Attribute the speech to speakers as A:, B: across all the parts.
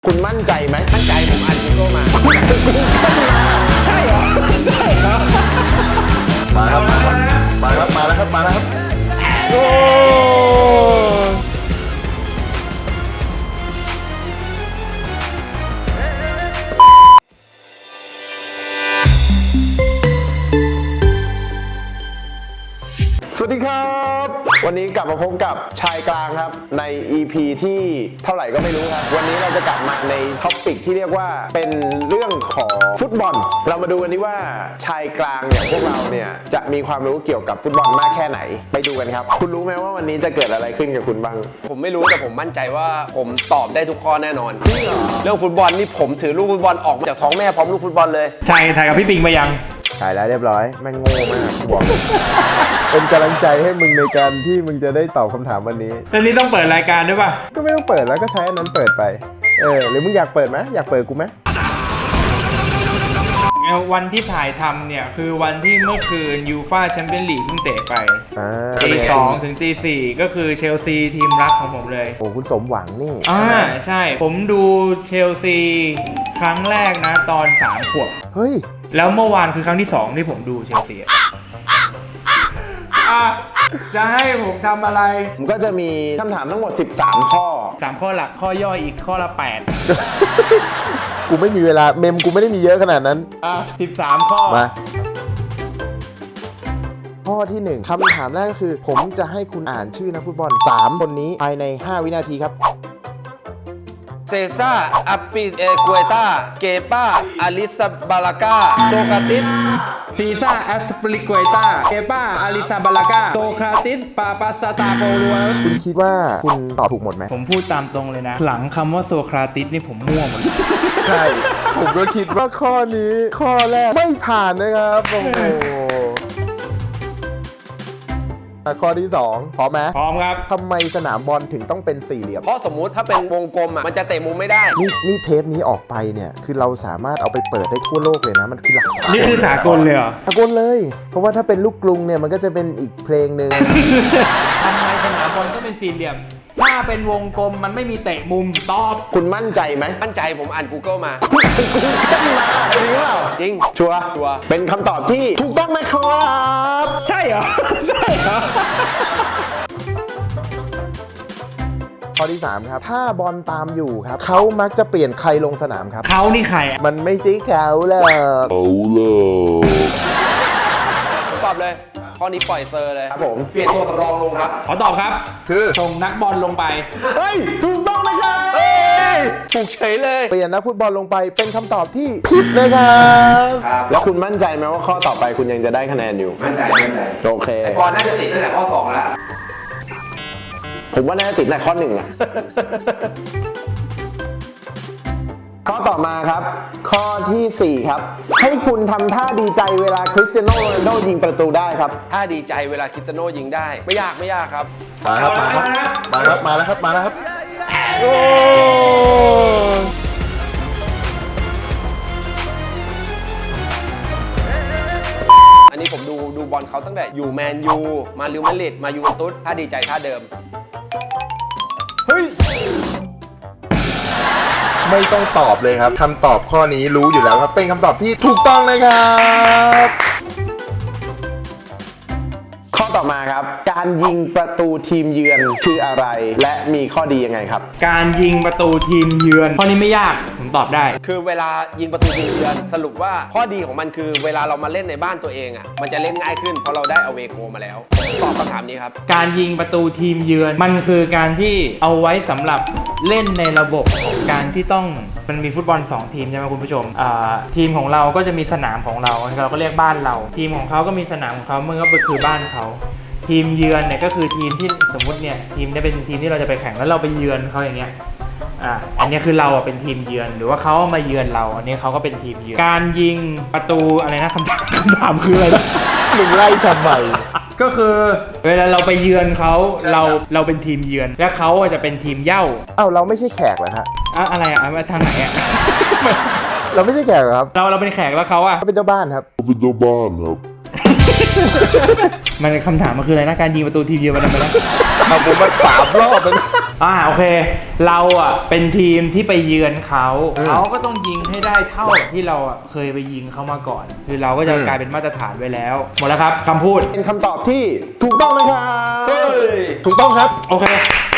A: คุณมั่นใจไหมมั่นใจผมอ่าน Google มา
B: ใช่เหรอใช่เหรอ
C: มาครับมาแล้วครับ
A: โอ้สวัสดีครับวันนี้กลับมาพบกับชายกลางครับใน EP ที่เท่าไหร่ก็ไม่รู้ครับวันนี้เราจะกลับมาในท็อปิกที่เรียกว่าเป็นเรื่องของฟุตบอลเรามาดูกันดีว่าชายกลางอย่างพวกเราเนี่ยจะมีความรู้เกี่ยวกับฟุตบอลมากแค่ไหนไปดูกันครับคุณรู้ไหมว่าวันนี้จะเกิดอะไรขึ้นกับคุณบ้าง
B: ผมไม่รู้แต่ผมมั่นใจว่าผมตอบได้ทุกข้อแน่นอนเรื่องฟุตบอลนี่ผมถือลูกฟุตบอลออกมาจากท้องแม่พร้อมลูกฟุตบอลเลย
D: ถ่ายกับพี่ปิงมายัง
C: ถ่ายแล้วเรียบร้อยแม่งโง่มากบอกเป็นกำลังใจให้มึงในการที่มึงจะได้ตอบคำถามวันนี้
D: แล้วนี่ต้องเปิดรายการด้วยป่ะ
C: ก็ไม่ต้องเปิดแล้วก็ใช้อันนั้นเปิดไปหรือมึงอยากเปิดไหมอยากเปิดกูไหม
D: วันที่ถ่ายทำเนี่ยคือวันที่เมื่อคืนยูฟ่าแชมเปี้ยนลีกเพิ่งเตะไปตี 2 ถึงตี 4ก็คือเชลซีทีมรักของผมเลย
C: โอ้คุณสมหวังนี่
D: ใช่ผมดูเชลซีครั้งแรกนะตอน3 ขวบ
C: เฮ้ย
D: แล้วเมื่อวานคือครั้งที่2ที่ผมดูเชลซีจะให้ผมทำอะไร
A: ผมก็จะมีคำถามทั้งหมด13ข้อ
D: 3 ข้อหลักข้อย่อยอีกข้อละ
C: 8กูไม่มีเวลาเมมกูไม่ได้มีเยอะขนาดนั้น
D: 13 ข้อ
C: มาข้อที่1คำถามแรกก็คือผมจะให้คุณอ่านชื่อนักฟุตบอล3คนนี้ภายใน5 วินาทีครับ
B: เซซ่าอัปปิเอกัวต้าเกป้าอาลิซาบาลากาโตกาติส
D: ซีซ่าแอสปริกวยต้าเกป้าอาริซาบาลากาโตคาติสปาปาสตาโปลัว
C: คุณคิดว่าคุณตอบถูกหมดไหม
D: ผมพูดตามตรงเลยนะหลังคำว่าโซคราติสนี่ผมมั่วหมด
C: ใช่ผมก็คิดว่าข้อนี้ข้อแรกไม่ผ่านนะครับโอ้โหข้อที่2พร้อมไหม
D: พร้อมครับ
C: ทำไมสนามบอลถึงต้องเป็นสี่เหลี่ยม
B: เพราะสมมุติถ้าเป็นวงกลมมันจะเตะมุมไม่ได้
C: นี่เทปนี้ออกไปเนี่ยคือเราสามารถเอาไปเปิดได้ทั่วโลกเลยนะมันคือหลัก
D: นี่คือสากลเลยเหรอ
C: สากลเลยเพราะว่าถ้าเป็นลูกกรุงเนี่ยมันก็จะเป็นอีกเพลงหนึ่ง
D: ทำไมสนามบอลก็เป็นสี่เหลี่ยมถ้าเป็นวงกลมมันไม่มีเตะมุมตอบ
A: คุณมั่นใจไหม
B: มั่นใจผมอ่าน Google มา
A: คุณอ่าน Google มาจริงหรือเปล่า
B: จริง
A: ชัวร์เป็นคำตอบที่ถูกต้องนะครับ
D: ใช่เหรอใช่เหรอ
C: ข้อที่3ครับถ้าบอลตามอยู่ครับเขามักจะเปลี่ยนใครลงสนามครับ
D: เขานี่ใคร
C: มันไม่ใช่เขาหรอก
B: ผมตอบเลยข้อนี้ปล่อยเซอร์เลย
A: ครับผม
B: เปลี่ยนตัวสำรองลงครับ
D: ขอตอบครับ
C: คือ
D: ส่งนักบอลลงไป
A: เฮ้ยถูกต้องนะครับ
B: ถูกเฉยเลย
C: เปลี่ยนนักฟุตบอลลงไปเป็นคำตอบที่ผิดนะครับ
A: แล้วคุณมั่นใจไหมว่าข้อต่อไปคุณยังจะได้คะแนนอยู่
B: มั่นใจ
A: โอเค
B: ไอ้บอลน่าจะติดตั้งแต่ข้อ2แล้ว
A: ผมว่าน่าจะติดในข้อ1อ่ะข้อต่อมาครับข้อที่4ครับให้คุณทำท่าดีใจเวลาคริสเตียโนโรนัลโดยิงประตูได้ครับ
B: ท่าดีใจเวลาคริสเตียโนยิงได้ไม่ยากครับ
C: มาแล้วครับ
B: โอ้อันนี้ผมดูบอลเขาตั้งแต่อยู่แมนยูมาลิวมาดริดมายูเวนตุสท่าดีใจท่าเดิม
C: เฮ้ยไม่ต้องตอบเลยครับคำตอบข้อนี้รู้อยู่แล้วครับเป็นคำตอบที่ถูกต้องเลยครับ
A: ข้อต่อมาครับการยิงประตูทีมเยือนคืออะไรและมีข้อดียังไงครับ
D: การยิงประตูทีมเยือนข้อนี้ไม่ยากผมตอบได้
B: คือเวลายิงประตูทีมเยือนสรุปว่าข้อดีของมันคือเวลาเรามาเล่นในบ้านตัวเองมันจะเล่นง่ายขึ้นเพราะเราได้อเวโกมาแล้วตอบคำถามนี้ครับ
D: การยิงประตูทีมเยือนมันคือการที่เอาไว้สำหรับเล่นในระบบของการที่ต้องมันมีฟุตบอล2 ทีมใช่ไหมคุณผู้ชมทีมของเราก็จะมีสนามของเราก็เรียกบ้านเราทีมของเขาก็มีสนามของเขามันก็คือบ้านเขาทีมเยือนเนี่ยก็คือทีมที่สมมุติเนี่ยทีมนี้เป็นทีมที่เราจะไปแข่งแล้วเราไปเยือนเขาอย่างเงี้ยอันนี้คือเราเป็นทีมเยือนหรือว่าเขามาเยือนเราอันนี้เขาก็เป็นทีมเยือนการยิงประตูอะไรนะคำถามคืออะไรนะ
C: มึงไล่ทำไม
D: ก็คือเวลาเราไปเยือนเขาเราเป็นทีมเยือนและเขาจะเป็นทีมเย่า
C: เราไม่ใช่แขกเหรอฮะ
D: อะไรทางไหน
C: เราไม่ใช่แขกครับ
D: เราเป็นแขกแล้วเขา
C: เป็นเจ้าบ้านครับ
E: เป็นเจ้าบ้านครับ
D: มันคำถามมันคืออะไรนะการยิงประตูทีเดียวมันทำไมนะ
C: ทำผมมา3 รอบแล้วนะ
D: โอเค เราอ่ะเป็นทีมที่ไปเยือนเขาก็ต้องยิงให้ได้เท่าที่เราอ่ะเคยไปยิงเขามาก่อน คือเราก็จะกลายเป็นมาตรฐานไว้แล้ว หมดแล้วครับคำพูด
A: เป็นคำตอบที่ถูกต้องนะครับ
C: ถูกต้องครับ
D: โอเค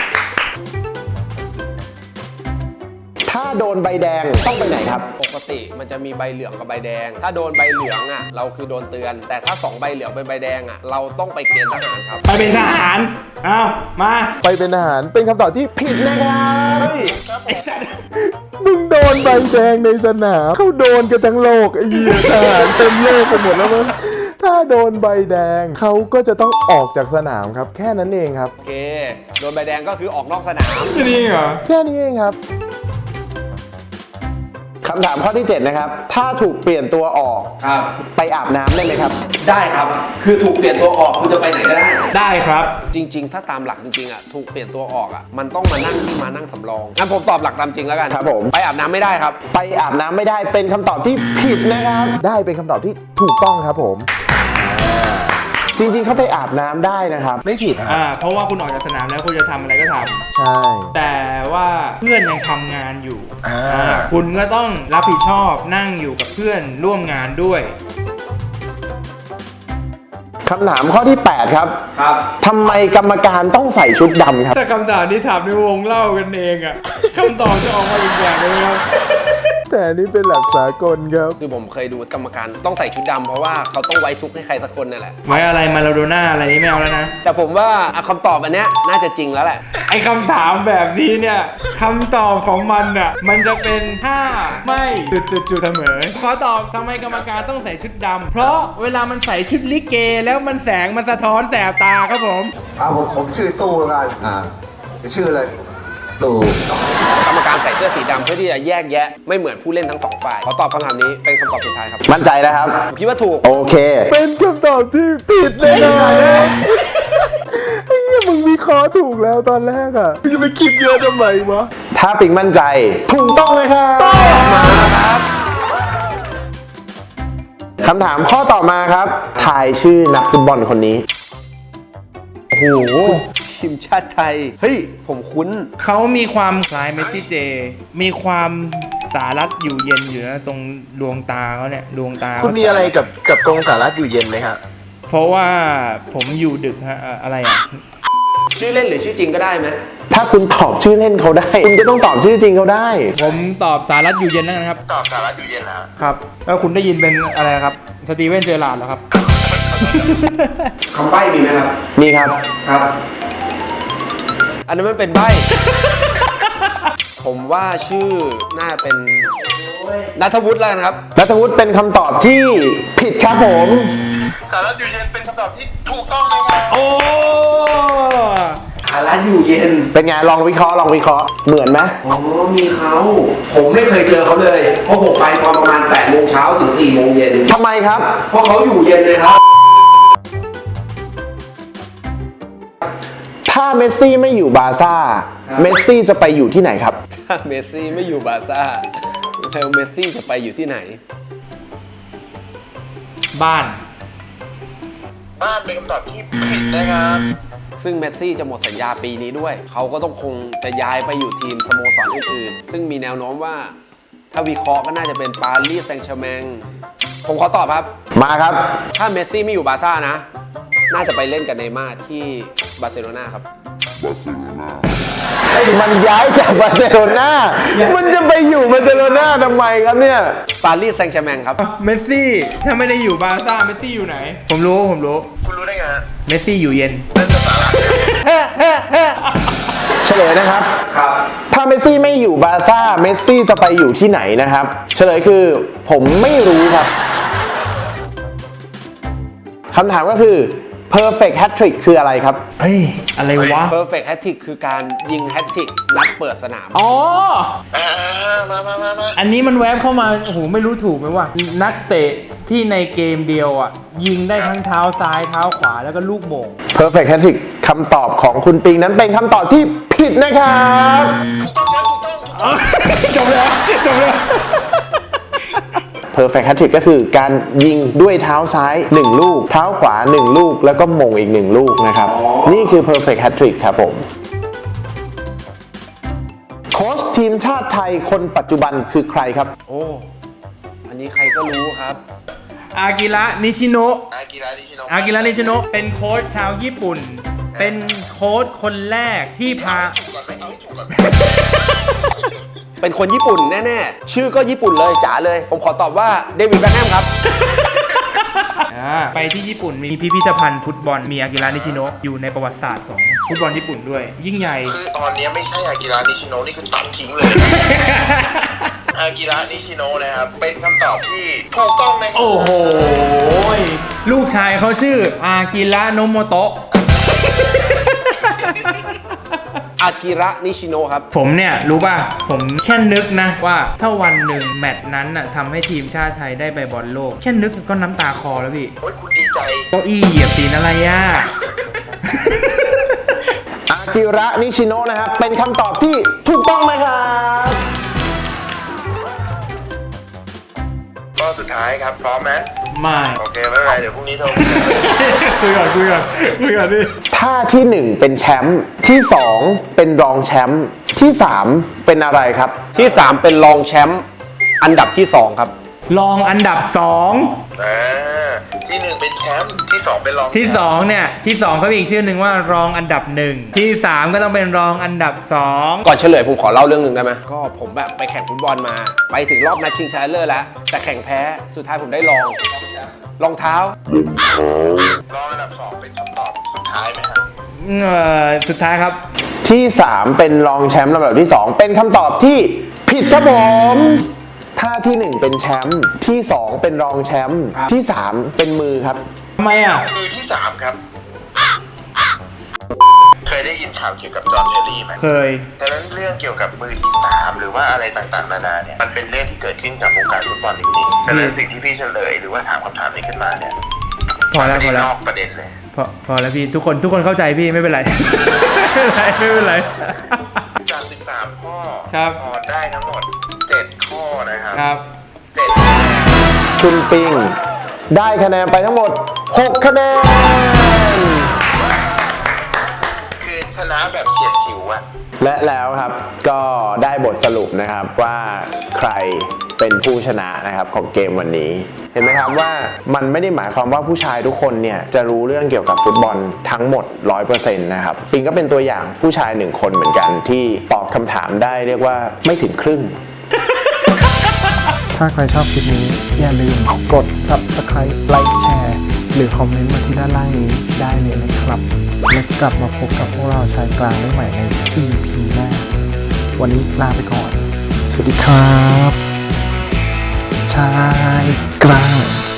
A: ถ้าโดนใบแดงต้องไปไหนครับ
B: ปกติมันจะมีใบเหลืองกับใบแดง ถ้าโดนใบเหลืองอ่ะเราคือโดนเตือน แต่ถ้า2ใบเหลืองเป็นใบแดงอ่ะเราต้องไปเกณฑ์ทหารครับ
D: ไปเป็นทหาร เอามา
C: ไปเป็นทหารเป็นคำตอบที่ผิดนะครับ
D: ไอ้สัตว์
C: มึงโดนใบแดงในสนามเขาโดนกันทั้งโลกไอ้เหี้ยทหารเต็มโลกไปหมดแล้วมั้งถ้าโดนใบแดงเขาก็จะต้องออกจากสนามครับ แค่นั้นเองครับ
B: โอเค โดนใบแดงก็คือออกนอกสนาม
D: นี่เหรอ
C: แค่นี้เองครับ
A: คำถามข้อที่ 7 นะครับ ถ้าถูกเปลี่ยนตัวออก
B: ครับ
A: ไปอาบน้ำได้ไหมครับ
B: ได้ครับ คือถูกเปลี่ยนตัวออกคุณจะไปไหนก็ได้
D: ได้ครับ
B: จริง ๆ ถ้าตามหลักจริงๆอ่ะถูกเปลี่ยนตัวออกอ่ะมันต้องมานั่งที่มานั่งสำรองงั้นผมตอบหลักตามจริงแล้วกัน
A: ครับผม
B: ไปอาบน้ำไม่ได้ครับ
A: ไปอาบน้ำไม่ได้เป็นคำตอบที่ผิดนะครับ
C: ได้เป็นคำตอบที่ถูกต้องครับผม
A: จริงๆเขาไปอาบน้ำได้นะครับ
C: ไม่ผิดฮะ
D: เพราะว่าคุณออกจากสนามแล้วคุณจะทำอะไรก็ทำ
C: ใช่
D: แต่ว่าเพื่อนยังทำงานอยู่
C: อ่า
D: คุณก็ต้องรับผิดชอบนั่งอยู่กับเพื่อนร่วมงานด้วย
A: คำถามข้อที่ 8 ครับ
B: ครับ
A: ทำไมกรรมการต้องใส่ชุดดำครับ
D: ถ้าคำถามนี้ถามในวงเล่ากันเองอะคำตอบจะออกมาอีกอย่างเลยครับ
C: แต่อันนี้เป็นหลักสากลครับ
B: คือผมเคยดูกรรมการต้องใส่ชุดดำเพราะว่าเขาต้องไว้ทุกข์ให้ใครสักคนนั่นแหละ
D: ไว้อะไรมาลาโดน่าอะไรนี้ไม่เอาแล้วนะ
B: แต่ผมว่าคำตอบอันเนี้ยน่าจะจริงแล้วแหละ
D: ไอ้คำถามแบบนี้เนี่ยคำตอบของมันอ่ะมันจะเป็นถ้าไม่จุดเสมอขอตอบทำไมกรรมการต้องใส่ชุดดำเพราะเวลามันใส่ชุดลิเกแล้วมันแสงมันสะท้อนแสบตาครับผม
E: ผมชื่อตู้แล้วกันชื่ออะไร
B: กรรมการใส่เสื้อสีดำเพื่อที่จะแยกแยะไม่เหมือนผู้เล่นทั้งสองฝ่ายขอตอบคำถามนี้เป็นคำตอบสุดท้ายครับ
A: มั่นใจนะครับ
B: ผมคิดว่าถูก
A: โอเค
C: เป็นคำตอบที่ผิดเลยนะไอ้เหี้ยมึงมีคอถูกแล้วตอนแรกอ่ะมึงจะไปคิดเยอะทำไมวะ
A: ถ้าปิงมั่นใจ ถูกต้องเลยครับมาครับคำถามข้อต่อมาครับทายชื่อนักฟุตบอลคนนี้
B: โอ้โหทีมชาติไทย เฮ้ย ผมคุ้น
D: เขามีความคล้ายเมสซี่เจ มีความสารัดอยู่เย็นอยู่นะตรงดวงตาเขาเนี่ยดวงตา
C: คุณมีอะไรกับตรงสารัฐอยู่เย็นไหมฮะ
D: เพราะว่าผมอยู่ดึกฮะอะไรอ่ะ
B: ชื่อเล่นหรือชื่อจริงก็ได้ไหม
A: ถ้าคุณตอบชื่อเล่นเขาได้ คุณก็ต้องตอบชื่อจริงเขาได้
D: ผมตอบสารัดอยู่เย็นแล้วกันครับ
C: ตอบสารัฐอยู่เย็นแล้ว
D: ครับแล้วคุณได้ยินเป็นอะไรครับสตีเวนเจอร์ลาร์ดเหรอครับ
B: คำใบ้มีไหมครับ
A: นี่ครับ
B: ครับ อันนั้นมันเป็นใบ้ ผมว่าชื่อน่าเป็นนัทวุฒิแล้วกันครับ
A: นัทวุฒิเป็นคำตอบที่ผิดครับผม
C: สารัฐอยู่เย็นเป็นคำตอบที่ถูกต้องเลยครับ
D: โอ้
B: อารัตอยู่เย็น
A: เป็นไงลองวิเคราะห์เหมือนไหม
B: อ๋อ มีเขา ผมไม่เคยเจอเขาเลย เพราะผมไปตอนประมาณ8 โมงเช้าถึง 4 โมงเย็น
A: ทำไมครับ
B: เพราะเขาอยู่เย็นเลยครับ
A: ถ้าเมสซี่ไม่อยู่บาร์ซ่า เมสซี่จะไปอยู่ที่ไหนครับ
B: ถ้าเมสซี่ไม่อยู่บาร์ซ่าแล้วเมสซี่จะไปอยู่ที่ไหน
D: บ้าน
C: บ้านเป็นคำตอบที่ผิดนะครับ
B: ซึ่งเมสซี่จะหมดสัญญาปีนี้ด้วย เขาก็ต้องคงจะย้ายไปอยู่ทีมสโมสรอื่นๆ ซึ่งมีแนวโน้มว่า ถ้าวิเคราะห์ก็น่าจะเป็นปารีสแซงต์แชร์แมงผมขอตอบครับ
A: มาครับ
B: ถ้าเมสซี่ไม่อยู่บาร์ซ่านะ น่าจะไปเล่นกับเนย์ม่าร์ที่บาร์เซโลนาครับ
A: มันย้ายจากบาร์เซโลนามันจะไปอยู่บาร์เซโลนาทำไมครับเนี่ย
B: ปารีสแซงต์แชร์แมงครับ
D: เมสซี่ถ้าไม่ได้อยู่บาร์ซ่าเมสซี่อยู่ไหน ผมรู้
C: คุณรู้ได้ไงฮะ
D: เมสซี่อยู่เย็น
A: เฉลยนะครับ
B: ครับ
A: ถ้าเมสซี่ไม่อยู่บาร์ซ่า เมสซี่จะไปอยู่ที่ไหนนะครับ เฉลยคือผมไม่รู้ครับ คำถามก็คือ perfect hat trick คืออะไรครับ
D: เฮ้ย อะไรวะ
B: perfect hat trick คือการยิงแฮตทริกนัดเปิดสนาม
D: อ๋อ อันนี้มันแวบเข้ามา โอ้โห ไม่รู้ถูกไหมว่า นักเตะที่ในเกมเดียวอ่ะ ยิงได้ทั้งเท้าซ้ายเท้าขวาแล้วก็ลูกโป่ง
A: perfect hat trick คำตอบของคุณปิงนั้นเป็นคำตอบที่ผิดนะครับ
D: จบเลยจบเลย
A: perfect hat trick ก็คือการยิงด้วยเท้าซ้าย 1 ลูก เท้าขวา 1 ลูก แล้วก็มงอีก 1 ลูกนะครับ นี่คือ perfect hat trick ครับผมโค้ชทีมชาติไทยคนปัจจุบันคือใครครับ
B: โอ้ อันนี้ใครก็รู้ครับ
D: อากิระนิชิโนะ
E: อากิระนิชิโนะ
D: อากิระนิชิโนะเป็นโค้ชชาวญี่ปุ่น เป็นโค้ชคนแรกที่พา
B: เป็นคนญี่ปุ่นแน่ๆ ชื่อก็ญี่ปุ่นเลยจ๋าเลย ผมขอตอบว่าเดวิดแบ็คแฮมครับ
D: ไปที่ญี่ปุ่นมีพิพิธภัณฑ์ฟุตบอลมีอากิระนิชิโนะอยู่ในประวัติศาสตร์ของฟุตบอลญี่ปุ่นด้วย ยิ่งใหญ่
E: คือตอนนี้ไม่ใช่อากิระนิชิโนะนี่คือตัดทิ้งเลย อากิระนิชิโนะนะครับ เป็นคำตอบที่ถูกต้องนะครับ
D: โอ้โห ลูกชายเขาชื่ออากิระโนโมโตะ
B: อากิระนิชิโนะครับ
D: ผมเนี่ยรู้ป่ะ ผมแค่นึกนะว่าถ้าวันหนึ่งแมตช์นั้นน่ะทำให้ทีมชาติไทยได้ไปบอลโลก แค่นึกก็น้ำตาคอแล้วพี่
E: โอ้ยคุณดีใจ
D: เก้าอี้เหยียบตีนอะไรอ่ะ
A: อากิระนิชิโนะนะครับ เป็นคำตอบที่ถูกต้องนะครับ
E: ก็สุดท้ายครับ พร้อมไหม
D: ไม่
E: โอเค ไม่เป็นไร เดี๋ยวพรุ่งนี้โทรคุยกัน
D: คุยก่อนพี่
A: ท่าที่ 1 เป็นแชมป์ที่ 2 เป็นรองแชมป์ที่ 3 เป็นอะไรครับ
B: ที่ 3 เป็นรองแชมป์อันดับที่ 2 ครับ
D: รองอันดับ
E: อ่าที่ 1 เป็นแชมป์ที่ 2 เป็นรอง
D: 2 ที่ 2 เนี่ย ที่ 2เขามีอีกชื่อหนึ่งว่ารองอันดับ 1 ที่ 3 ก็ต้องเป็นรองอันดับ 2
B: ก่อนเฉลยผมขอเล่าเรื่องหนึ่งได้ไหมก็ผมแบบไปแข่งฟุตบอลมา ไปถึงรอบนัดชิงชนะเลิศแล้ว แต่แข่งแพ้สุดท้ายผมได้รองเท้า
E: รองอันดับ 2 เป็นคำตอบสุดท้ายไหมครับ
D: สุดท้ายครับ
A: ที่ 3 เป็นรองแชมป์ลำดับที่ 2 เป็นคำตอบที่ผิดครับผมท่าที่ 1 เป็นแชมป์ที่ 2 เป็นรองแชมป์ที่ 3 เป็นมือครับ
D: ทำไมอ่ะ
E: มือที่ 3 ครับ เคยได้ยินข่าวเกี่ยวกับจอห์นเทอร์รี่ไหม
D: เคย
E: ดังนั้นเรื่องเกี่ยวกับมือที่ 3 หรือว่าอะไรต่างๆ นานาเนี่ย มันเป็นเรื่องที่เกิดขึ้นกับวงการฟุตบอลจริงๆฉะนั้นสิ่งที่พี่เฉลยหรือว่าถามคำถามนี้ขึ้นมาเนี่ย
D: พอแล้ว
E: ไม่ได้นอกประเด็นเลย
D: พอแล้วพี่ทุกคนเข้าใจพี่ไม่เป็นไร ไม่เป็นไร
E: จาก13 ข้อ
D: ครับ
E: พอได้ทั้งหมด 7 ข้อนะครับ
D: ครับ
E: 7
A: คุณปิงได้คะแนนไปทั้งหมด 6 คะแนน
E: คือชนะแบบเฉียดฉิวอะ
A: และแล้วครับก็ได้บทสรุปนะครับว่าใครเป็นผู้ชนะนะครับของเกมวันนี้ เห็นไหมครับว่ามันไม่ได้หมายความว่าผู้ชายทุกคนเนี่ยจะรู้เรื่องเกี่ยวกับฟุตบอลทั้งหมด 100% นะครับปิงก็เป็นตัวอย่างผู้ชาย1 คนเหมือนกันที่ตอบคำถามได้เรียกว่าไม่ถึงครึ่ง
C: ถ้าใครชอบคลิปนี้อย่าลืมกด subscribe ไลค์แชร์หรือคอมเมนต์มาที่ด้านล่างนี้ได้เลยนะครับ และกลับมาพบกับพวกเราชายกลางได้ใหม่ใน EP หน้า วันนี้ลาไปก่อน สวัสดีครับ ชายกลาง